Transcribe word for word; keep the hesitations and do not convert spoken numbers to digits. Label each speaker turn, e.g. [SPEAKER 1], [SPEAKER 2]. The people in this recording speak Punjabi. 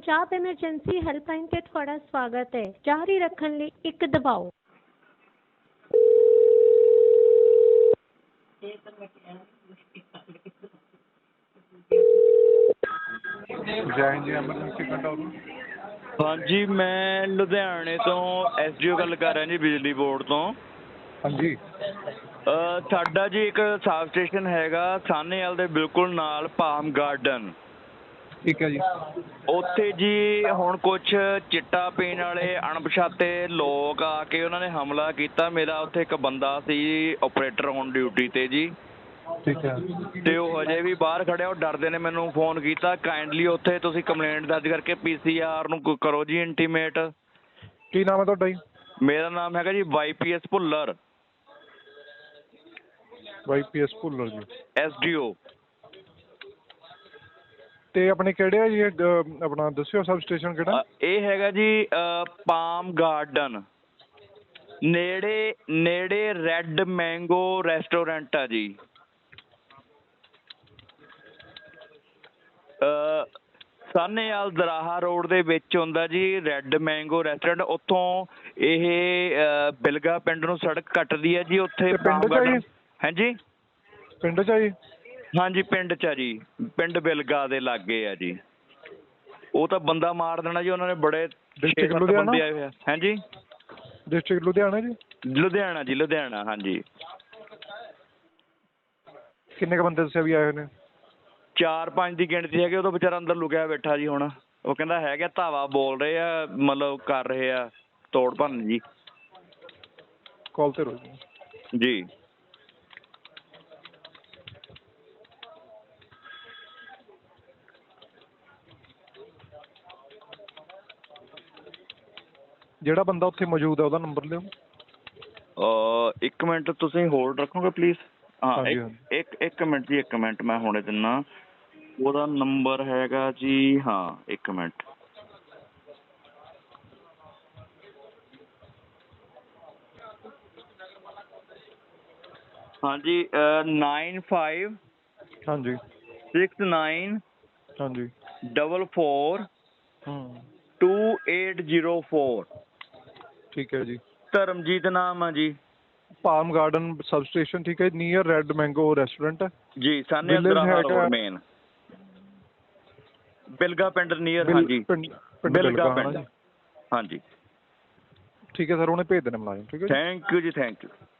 [SPEAKER 1] पंजाब एमरजेंसी हेल्पलाइन ते तुहाडा स्वागत है। जारी रखण लई एक दबाओ।
[SPEAKER 2] ਜੈ ਜੀ ਐਮਰਜੈਂਸੀ ਕੰਟਰੋਲ।
[SPEAKER 3] ਹਾਂਜੀ, ਮੈਂ ਲੁਧਿਆਣੇ ਤੋਂ ਐਸ ਡੀ ਓ ਗੱਲ ਕਰ ਰਿਹਾ ਜੀ, ਬਿਜਲੀ ਬੋਰਡ ਤੋਂ।
[SPEAKER 2] ਹਾਂਜੀ।
[SPEAKER 3] ਸਾਡਾ ਜੀ ਇੱਕ ਸਬ ਸਟੇਸ਼ਨ ਹੈਗਾ ਸਾਹਨੇਵਾਲ ਦੇ ਬਿਲਕੁਲ ਨਾਲ, ਪਾਮ ਗਾਰਡਨ।
[SPEAKER 2] ਠੀਕ ਹੈ ਜੀ।
[SPEAKER 3] ਉੱਥੇ ਜੀ ਹੁਣ ਕੁਛ ਚਿੱਟਾ ਪੀਣ ਵਾਲੇ ਅਣਪਛਾਤੇ ਲੋਕ ਆ ਕੇ ਉਹਨਾਂ ਨੇ ਹਮਲਾ ਕੀਤਾ। ਮੇਰਾ ਉੱਥੇ ਇੱਕ ਬੰਦਾ ਸੀ ਓਪਰੇਟਰ ਔਨ ਡਿਊਟੀ 'ਤੇ ਜੀ।
[SPEAKER 2] ਠੀਕ ਹੈ।
[SPEAKER 3] ਤੇ ਉਹ ਹਜੇ ਵੀ ਬਾਹਰ ਖੜਿਆ। ਉਹ ਡਰਦੇ ਨੇ ਮੈਨੂੰ ਫੋਨ ਕੀਤਾ, ਕਾਈਂਡਲੀ ਉੱਥੇ ਤੁਸੀਂ ਕੰਪਲੇਂਟ ਦਰਜ ਕਰਕੇ ਪੀ ਸੀ ਆਰ ਨੂੰ ਕਰੋ ਜੀ ਇੰਟੀਮੇਟ।
[SPEAKER 2] ਕੀ ਨਾਮ ਹੈ ਤੁਹਾਡਾ ਜੀ?
[SPEAKER 3] ਮੇਰਾ ਨਾਮ ਹੈਗਾ ਜੀ Y P S Bhullar,
[SPEAKER 2] Y P S Bhullar ji,
[SPEAKER 3] S D O.
[SPEAKER 2] ਤੇ ਆਪਣੇ ਕਿਹੜੇ ਆ ਜੀ ਇਹ ਆਪਣਾ ਦੱਸਿਓ ਸਬ ਸਟੇਸ਼ਨ ਕਿਹੜਾ?
[SPEAKER 3] ਇਹ ਹੈਗਾ ਜੀ ਪਾਮ ਗਾਰਡਨ, ਨੇੜੇ ਨੇੜੇ ਰੈੱਡ ਮੈਂਗੋ ਰੈਸਟੋਰੈਂਟ ਆ ਜੀ। ਸਾਹਨੇਵਾਲ ਦਰਾਹਾ ਰੋਡ ਦੇ ਵਿੱਚ ਹੁੰਦਾ ਜੀ ਰੈੱਡ ਮੈਂਗੋ ਰੈਸਟੋਰੈਂਟ। ਉੱਥੋਂ ਇਹ ਬਿਲਗਾ ਪਿੰਡ ਨੂੰ ਸੜਕ ਕੱਟਦੀ ਹੈ ਜੀ। ਉੱਥੇ
[SPEAKER 2] ਪਿੰਡ 'ਚ ਆ ਜੀ?
[SPEAKER 3] ਹਾਂਜੀ,
[SPEAKER 2] ਪਿੰਡ 'ਚ ਆ ਜੀ?
[SPEAKER 3] ਹਾਂਜੀ ਪਿੰਡ 'ਚ ਆ ਜੀ, ਪਿੰਡ ਬਿਲਗਾ ਦੇ ਲਾਗੇ ਆ ਜੀ। ਉਹ ਤਾਂ ਬੰਦਾ ਮਾਰ ਦੇਣਾ ਜੀ ਉਹਨਾਂ ਨੇ, ਬੜੇ
[SPEAKER 2] ਡਿਸਟ੍ਰਿਕਟ ਲੁਧਿਆਣਾ
[SPEAKER 3] ਬੰਦੇ ਆਏ ਹੋਏ ਆ। ਹਾਂਜੀ,
[SPEAKER 2] ਡਿਸਟ੍ਰਿਕਟ ਲੁਧਿਆਣਾ ਜੀ?
[SPEAKER 3] ਲੁਧਿਆਣਾ ਜੀ, ਲੁਧਿਆਣਾ। ਹਾਂਜੀ।
[SPEAKER 2] ਕਿੰਨੇ ਕੁ ਬੰਦੇ ਦੱਸਿਆ ਵੀ ਆਏ ਹੋਏ ਨੇ?
[SPEAKER 3] ਚਾਰ ਪੰਜ ਦੀ ਗਿਣਤੀ ਹੈਗੀ। ਉਦੋਂ ਵਿਚਾਰਾ ਅੰਦਰ ਲੁਕਿਆ ਬੈਠਾ ਜੀ। ਹੁਣ ਉਹ ਕਹਿੰਦਾ ਹੈਗਾ ਧਾਵਾ ਬੋਲ ਰਹੇ ਆ, ਮਤਲਬ ਕਰ ਰਹੇ ਆ ਤੋੜ ਭੰਨ ਜੀ।
[SPEAKER 2] ਕਾਲ ਤੇ ਰਹੋ
[SPEAKER 3] ਜੀ।
[SPEAKER 2] ਜਿਹੜਾ ਬੰਦਾ ਉੱਥੇ ਮੌਜੂਦ ਹੈ ਉਹਦਾ ਨੰਬਰ ਲਿਓ।
[SPEAKER 3] ਇੱਕ ਮਿੰਟ ਤੁਸੀਂ ਹੋਲਡ ਰੱਖੋਗੇ ਪਲੀਜ਼? ਹਾਂ,
[SPEAKER 2] ਹਾਂਜੀ
[SPEAKER 3] ਇੱਕ ਇੱਕ ਇੱਕ ਮਿੰਟ ਜੀ, ਇੱਕ ਮਿੰਟ ਮੈਂ ਹੁਣੇ ਦਿੰਦਾ। ਉਹਦਾ ਨੰਬਰ ਹੈਗਾ ਜੀ, ਹਾਂ ਇੱਕ ਮਿੰਟ। ਹਾਂਜੀ, ਨਾਈਨ ਫਾਈਵ
[SPEAKER 2] ਹਾਂਜੀ
[SPEAKER 3] ਸਿਕਸ ਨਾਈਨ
[SPEAKER 2] ਹਾਂਜੀ
[SPEAKER 3] ਡਬਲ ਫੋਰ
[SPEAKER 2] ਹੂੰ
[SPEAKER 3] ਟੂ ਏਟ ਜ਼ੀਰੋ ਫੋਰ।
[SPEAKER 2] ਠੀਕ ਹੈ ਜੀ।
[SPEAKER 3] ਧਰਮਜੀਤ ਨਾਮ ਆ ਜੀ।
[SPEAKER 2] ਪਾਮ ਗਾਰਡਨ ਸਬ ਸਟੇਸ਼ਨ, ਠੀਕ ਹੈ, ਨੀਅਰ ਰੈੱਡ ਮੈਂਗੋ ਰੈਸਟੋਰੈਂਟ
[SPEAKER 3] ਜੀ, ਸਾਹਨੇਵਾਲ ਦਰਾਹਾ ਰੋਡ ਮੇਨ, ਬਿਲਗਾ ਪਿੰਡ ਨੀਅਰ। ਹਾਂਜੀ, ਬਿਲਗਾ ਪਿੰਡ। ਹਾਂਜੀ
[SPEAKER 2] ਠੀਕ ਹੈ ਸਰ, ਉਹਨੇ ਭੇਜ ਦੇਣਾ ਮੁਲਾਜ਼ਮ। ਠੀਕ ਹੈ,
[SPEAKER 3] ਥੈਂਕ ਯੂ ਜੀ, ਥੈਂਕ ਯੂ।